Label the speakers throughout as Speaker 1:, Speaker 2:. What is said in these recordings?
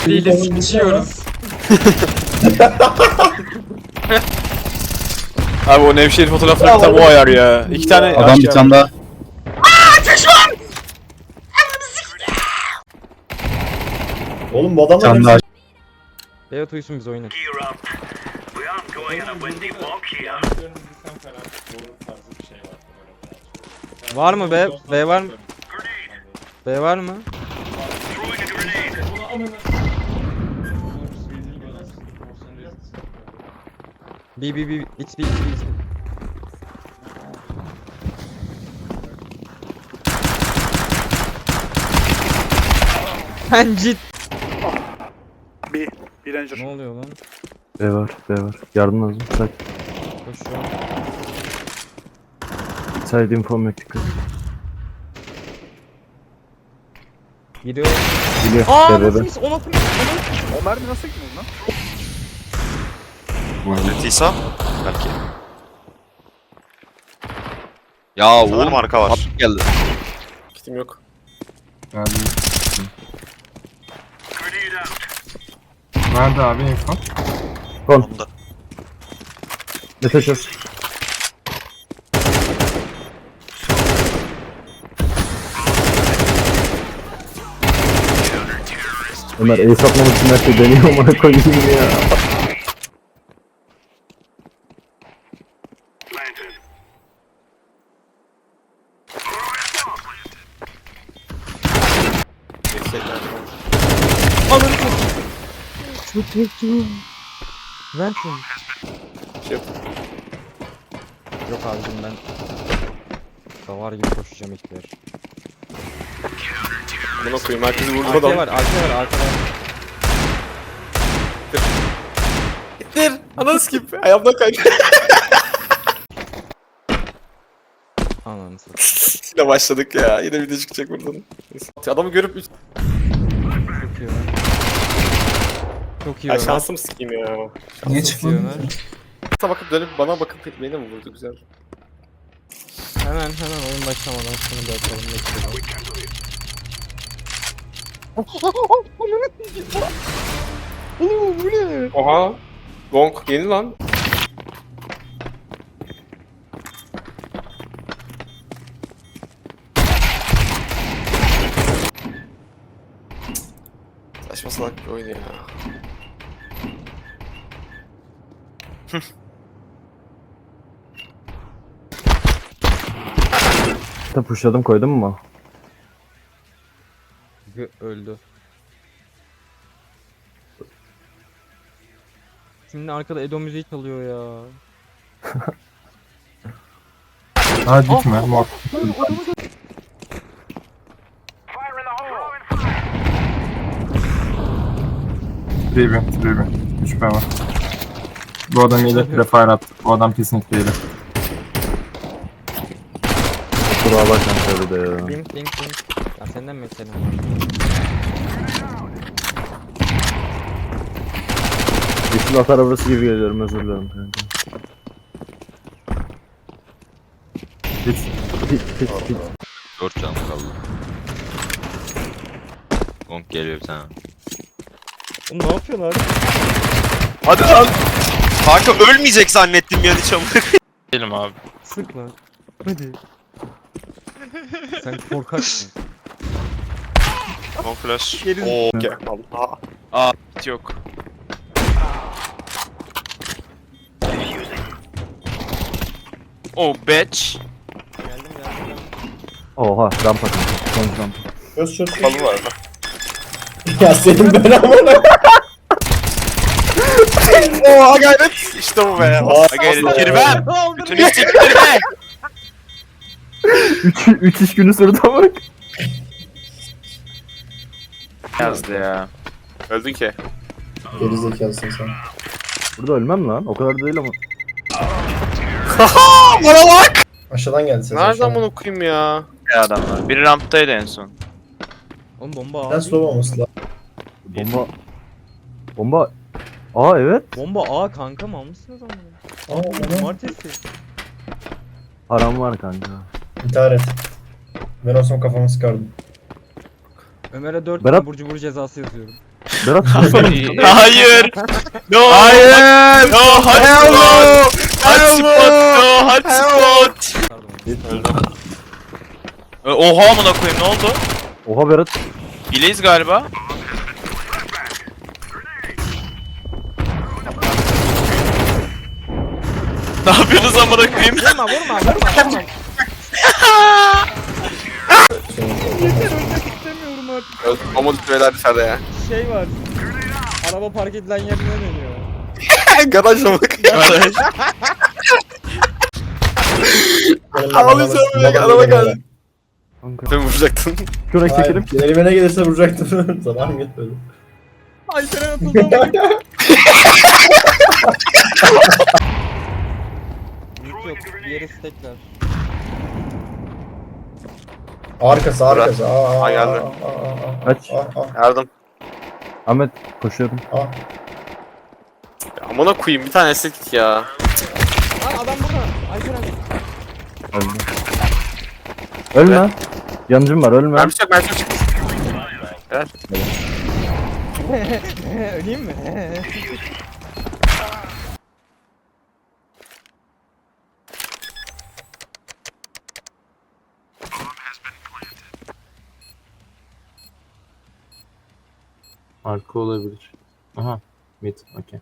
Speaker 1: Değiliz, sıçıyoruz.
Speaker 2: Abi o Nevşehir fotoğrafları tam o ayar ya. İki tane
Speaker 3: Adam bir tane daha.
Speaker 4: Oğlum bu
Speaker 3: Bir
Speaker 4: adamlar
Speaker 3: tane daha.
Speaker 1: Evet uyusun biz oynayın. Var mı B? B var mı? B var mı? B B B it's B it's B it's B. Sen cid.
Speaker 5: Bir ranger.
Speaker 1: Ne oluyor lan?
Speaker 3: B var, B var. Yardım lazım. Side,
Speaker 1: Koşuyor.
Speaker 3: side infom yok, dikkat.
Speaker 1: Gidiyor.
Speaker 3: Geliyor.
Speaker 1: Aa
Speaker 3: B, B, B.
Speaker 1: nasıl ona koyayım?
Speaker 5: O mermi nasıl gitmedi lan?
Speaker 6: Tisa belki. Ya oğlum arka var. At geldi.
Speaker 2: Kitim yok.
Speaker 7: Nerede abi info?
Speaker 6: Onda.
Speaker 3: Efe çöz. Ömer ace atmamak için her şey deniyor, bana koyayım ya.
Speaker 1: Ananı çok korktum. Ver şunu.
Speaker 2: Şey.
Speaker 1: Yok abicim ben davar gibi koşacağım ilkler.
Speaker 2: Bunu koyayım, herkesi vurdu
Speaker 1: Arka
Speaker 2: adam.
Speaker 1: var, arka var, arka var.
Speaker 2: Gittir. Ananı skip. Ayağımdan kaydı.
Speaker 1: Ananı satayım.
Speaker 2: Yine başladık ya. Yine video çıkacak buradan. Neyse. Adamı görüp
Speaker 1: Çok iyi lan. Çok iyi
Speaker 2: ya
Speaker 1: lan.
Speaker 2: şansım sikeyim ya.
Speaker 4: Niye
Speaker 1: Çok iyi
Speaker 4: çıkmadın?
Speaker 1: lan.
Speaker 2: Sana bakıp dönüp bana bakıp beni mi vurdu, güzel.
Speaker 1: Hemen oyun başlamadan şunu bir atalım bekliyorum. Oğlum bu ne?
Speaker 2: Oha. Gong yeni lan. Saçma salak bir oyun ya.
Speaker 3: Sen pushladım, koydun mu?
Speaker 1: Öldü. Şimdi arkada Edo müziği çalıyor ya.
Speaker 7: Hadi gitme. Mor. Tribi. 3 B var. Bu adam iyi de prefire attı. Bu adam kesinlikle iyi.
Speaker 3: Kusura bakma şöyle de ya.
Speaker 1: Link. Ya senden mesela.
Speaker 3: Yeşil at arabası gibi geliyorum, özür dilerim kanka. Hiç.
Speaker 6: 4 canım kaldı. Gong geliyor bir tane.
Speaker 1: Oğlum ne yapıyorsun abi?
Speaker 6: Hadi lan. Kanka ölmeyecek zannettim yani çabuk. Gelim abi.
Speaker 1: Sık lan. Hadi. Sen korkaksın.
Speaker 6: Gong flash.
Speaker 1: Geri-
Speaker 6: Oo.
Speaker 2: Okey. Allah.
Speaker 6: Yok. Oh bitch.
Speaker 1: Geldim.
Speaker 3: Oha, rampa kanka. Son rampa.
Speaker 4: Çöz çöz.
Speaker 2: Balı var.
Speaker 4: Ya senin ben amına.
Speaker 2: Oha gayret. İşte bu be.
Speaker 4: Aa,
Speaker 6: Gayret kirvem. Bütün isteklerime.
Speaker 3: 3 iş günü sürdü bak.
Speaker 6: Yazdı ya.
Speaker 2: Öldün ki.
Speaker 4: Geri zekalısın sen.
Speaker 3: Burada ölmem lan, o kadar da değil ama.
Speaker 2: Haha bana bak.
Speaker 4: Aşağıdan geldi ses.
Speaker 2: Nereden
Speaker 4: aşağıdan.
Speaker 2: bunu okuyayım ya?
Speaker 6: Ya adamlar. Biri ramptaydı en son.
Speaker 1: Oğlum bomba
Speaker 4: Ben
Speaker 1: A.
Speaker 4: slow olması lazım.
Speaker 3: Bomba. Aa evet.
Speaker 1: Bomba A kanka mı almışsınız ama?
Speaker 4: Aa, onu
Speaker 1: Cumartesi.
Speaker 3: Param var kanka.
Speaker 4: intihar et. Ben olsam kafamı sıkardım.
Speaker 1: Ömer'e 4
Speaker 3: Berat-
Speaker 1: burcu cezası yazıyorum.
Speaker 3: Berat
Speaker 6: Hayır. No. Hayır. No hot spot. Hot spot. No hot spot. Öldüm. Oha amına koyayım, ne oldu?
Speaker 3: Oha Berat.
Speaker 6: Hileyiz galiba. Ne yapıyorsunuz amına koyayım?
Speaker 1: Vurma. İstemiyorum artık.
Speaker 2: Omuz beyler dışarıda ya.
Speaker 1: Şey var. Araba park edilen yerine dönüyor.
Speaker 2: Garajla bak. Ağlayacağım ya, araba geldi. Sen vuracaktın.
Speaker 3: Şuraya çekelim.
Speaker 4: Elime ne gelirse vuracaktım. Zaman gitmedi.
Speaker 1: Alperen atıldı ama. Yok. Diğeri stekler.
Speaker 4: Arkası.
Speaker 2: Aa, geldi.
Speaker 3: Aç.
Speaker 2: Yardım.
Speaker 3: Ahmet koşuyorum.
Speaker 2: Ya, amına koyayım bir tane esnek ya.
Speaker 1: Lan adam burada. Alperen.
Speaker 3: Öldüm. Ölme. Yanıcım var ölme.
Speaker 2: Mermi çok mermi çok.
Speaker 1: Öleyim mi?
Speaker 7: Arka olabilir. Aha. Mid. Okey.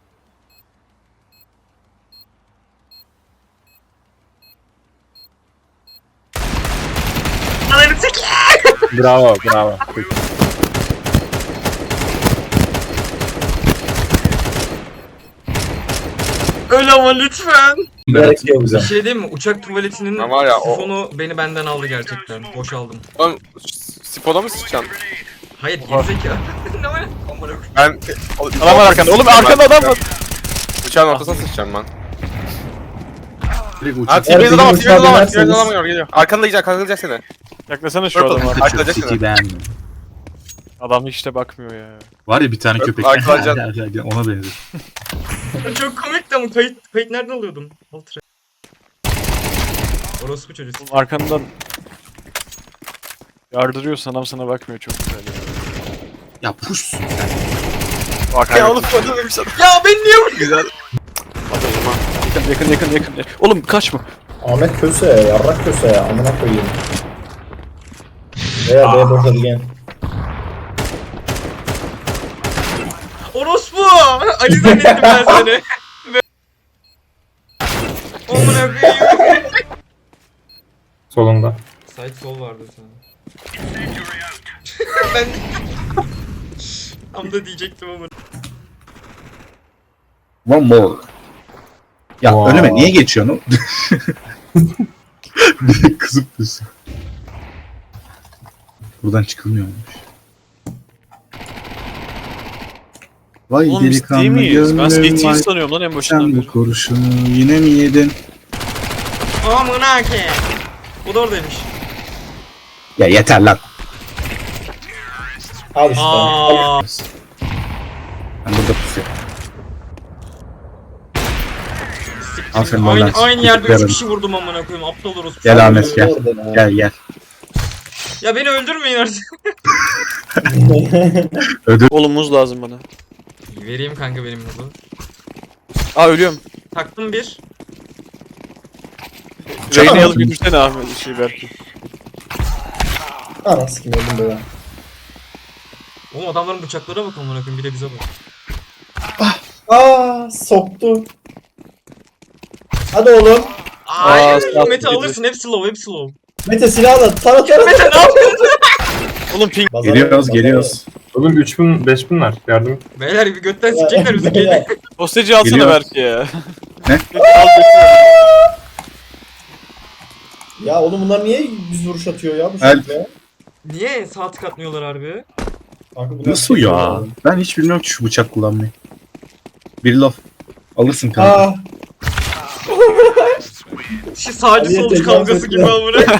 Speaker 7: Bravo.
Speaker 6: Öyle ama lütfen.
Speaker 4: Gerek yok bize.
Speaker 8: Bir şey diyeyim mi? Uçak tuvaletinin
Speaker 2: Ama var ya, o-
Speaker 8: sifonu beni benden aldı gerçekten. Boşaldım.
Speaker 2: Oğlum spoda mı sıçacaksın?
Speaker 8: Hayır gerizekalı. Ne var? Amına koyayım.
Speaker 2: Ben...
Speaker 6: Adam var arkanda. Oğlum arkanda adam var.
Speaker 2: Uçağın ortasına sıçacağım ben.
Speaker 7: Direkt
Speaker 2: Ha
Speaker 7: uçak.
Speaker 2: T-Base'de adam var,
Speaker 4: uçağa
Speaker 2: T-Base'de adam var,
Speaker 4: binerseniz-
Speaker 2: T-Base'de adam var, geliyor. Arkanda yiyecek seni.
Speaker 9: Yaklasana şu
Speaker 2: Purple,
Speaker 9: adama.
Speaker 2: arkada seni.
Speaker 10: beğendim.
Speaker 9: Adam hiç de bakmıyor ya.
Speaker 10: Var ya bir tane köpek.
Speaker 2: Arkadaşlar-
Speaker 10: Ona benziyor.
Speaker 8: Çok komikti ama kayıt nereden alıyordum? Ultra. Orospu çocuğu.
Speaker 9: Oğlum arkandan yardırıyorsun, adam sana bakmıyor, çok güzel ya.
Speaker 10: Ya puşsun.
Speaker 9: Bak
Speaker 2: Ya oğlum spoda demiş adam.
Speaker 8: Ya ben niye vuruyorum?
Speaker 2: Güzel.
Speaker 9: yakın. Oğlum kaçma.
Speaker 4: Ahmet köse ya. Yarrak köse ya. Amına koyayım. Veya B'ye boşadı gel.
Speaker 8: Orospu! Ali zannettim ben seni. Amına koyayım.
Speaker 7: Solunda.
Speaker 8: Side sol vardı sana. Ben... Tam da diyecektim ama.
Speaker 10: One more. Ya
Speaker 7: Wow.
Speaker 10: önüme niye geçiyorsun? Direkt kızıp diyorsun. Buradan çıkılmıyormuş. Vay
Speaker 9: Oğlum biz değil miyiz? Ben CT'yi
Speaker 10: vay
Speaker 9: sanıyorum lan en
Speaker 10: sen
Speaker 9: başından
Speaker 10: bu
Speaker 9: beri.
Speaker 10: kurşunu yine mi yedin?
Speaker 8: Amına ke. Bu da oradaymış.
Speaker 10: Ya yeter lan.
Speaker 4: Al işte.
Speaker 8: Aa.
Speaker 10: Ben burada pusuyorum. Aferin lan.
Speaker 8: Aynı yerde 3
Speaker 10: Yarın.
Speaker 8: kişi vurdum amına koyayım. Aptal orospu.
Speaker 10: Gel Ahmet gel.
Speaker 4: Orada ya.
Speaker 10: Gel.
Speaker 8: Ya beni öldürmeyin artık.
Speaker 9: Oğlum muz lazım bana.
Speaker 8: Vereyim kanka benim muzu.
Speaker 9: Aa ölüyorum.
Speaker 8: Taktım bir.
Speaker 9: Reyne'yi alıp götürsene Ahmet şey belki.
Speaker 4: Ana sikim öldüm böyle.
Speaker 8: Oğlum adamların bıçaklara bak amına koyayım, bir de bize bak.
Speaker 4: Aa soktu. Hadi oğlum.
Speaker 8: Ay,
Speaker 9: sağ
Speaker 8: Mete
Speaker 9: ol,
Speaker 8: alırsın, hepsi low, hepsi low.
Speaker 4: Mete silahla. Tara.
Speaker 8: Mete ne yapıyorsun?
Speaker 9: Oğlum ping.
Speaker 10: Geliyoruz.
Speaker 7: Oğlum 3000 5000'ler. Yardım.
Speaker 8: Beyler bir götten sikecekler bizi, gelin.
Speaker 9: Hosteci alsana
Speaker 10: Geliyor.
Speaker 9: belki ya.
Speaker 10: Ne?
Speaker 9: Al götür.
Speaker 4: Ya oğlum bunlar niye düz vuruş atıyor ya bu
Speaker 10: Help.
Speaker 4: şekilde?
Speaker 8: Niye sağ tık atmıyorlar harbi?
Speaker 4: Kanka bunlar
Speaker 10: Nasıl ya? Ben hiç bilmiyorum ki şu bıçak kullanmayı. Bir laf. Alırsın kanka.
Speaker 4: Aa,
Speaker 8: Şu sağcı
Speaker 4: Aliye
Speaker 8: solcu
Speaker 4: tecavüz
Speaker 8: kavgası
Speaker 4: ettiler.
Speaker 8: gibi amına.